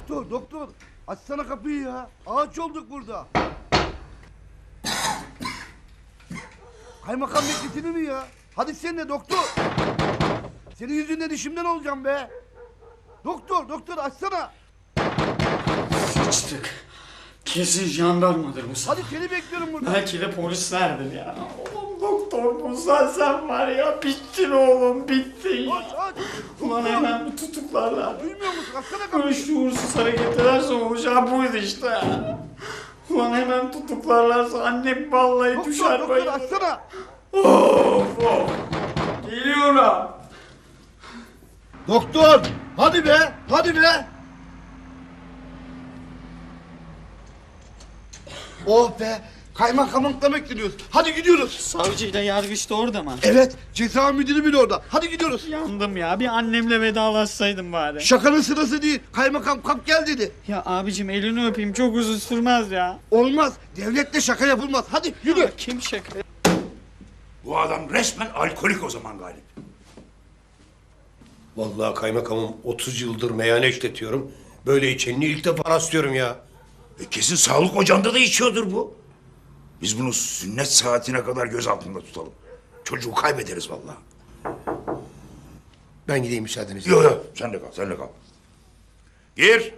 Doktor, doktor. Açsana kapıyı ya. Ağaç olduk burada. Kaymakam bekletilir mi ya? Hadi sen de doktor. Senin yüzünden işimden olacağım be. Doktor, doktor açsana. Sıçtık. Kesin jandarmadır bu sefer. Hadi seni bekliyorum burada. Belki de polislerdir ya. Oğlum doktor Musa sen var ya bittin oğlum bittin. Aç, aç. Ulan Doktor. hemen bir tutuklarlar. Duymuyor musun? Açsana Böyle kapıyı. şuursuz hareket ederse olacağı buydu işte. Ulan hemen tutuklarlarsa annem vallahi Doktor, düşer doktor bayılır. açsana. Of of. Geliyorum. Doktor. Hadi be, hadi be. Oh be. Kaymakamlıkla bekliyoruz. Hadi gidiyoruz. Savcıyla yargıç da orada mı? Evet, ceza müdürü bile orada. Hadi gidiyoruz. Yandım ya. Bir annemle vedalaşsaydım bari. Şakanın sırası değil. Kaymakam kalk gel dedi. Ya abicim elini öpeyim çok uzun sürmez ya. Olmaz. Devletle şaka yapılmaz. Hadi yürü. Kim şaka? Bu adam resmen alkolik o zaman Galip. Vallahi kaymakamım 30 yıldır meyhane işletiyorum. Böyle içenini ilk defa rastlıyorum ya. Kesin sağlık ocağında da içiyordur bu. Biz bunu sünnet saatine kadar göz altında tutalım. Çocuğu kaybederiz vallahi. Ben gideyim müsaadenizle. Yok yok sen de kal sen de kal. Gir.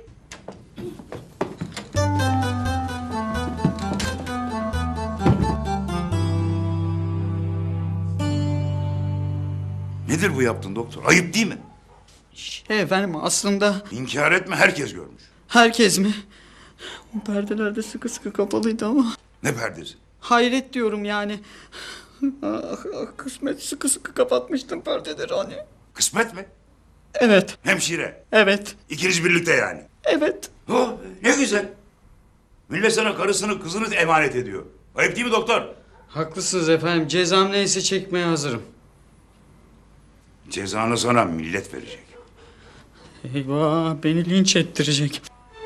Nedir bu yaptın doktor? Ayıp değil mi? Efendim aslında İnkar etme herkes görmüş. herkes mi? O perdeler de sıkı sıkı kapalıydı ama. Ne perdesi? Hayret diyorum yani. Kısmet sıkı sıkı kapatmıştım perdeleri hani. Kısmet mi? Evet, Hemşire. evet, İkiniz birlikte yani. evet. Oh, ne güzel. Millet sana karısını kızını emanet ediyor. Ayıp değil mi doktor? Haklısınız efendim. Cezam neyse çekmeye hazırım. Cezanı sana millet verecek. Eyvah beni linç ettirecek.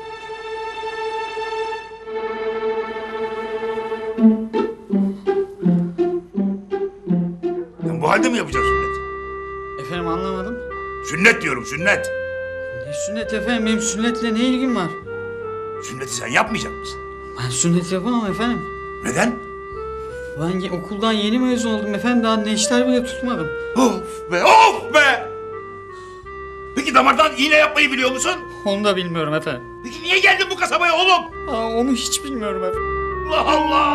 Sen bu halde mi yapacaksın sünnet? Efendim anlamadım. Sünnet diyorum sünnet. Ne sünnet efendim? Benim sünnetle ne ilgim var? Sünneti sen yapmayacak mısın? Ben sünnet yapamam efendim. Neden? Ben okuldan yeni mezun oldum efendim. Daha neşter bile tutmadım. Of be of be! Peki damardan iğne yapmayı biliyor musun? Onu da bilmiyorum efendim. Peki niye geldin bu kasabaya oğlum? Aa, onu hiç bilmiyorum efendim. Allah Allah!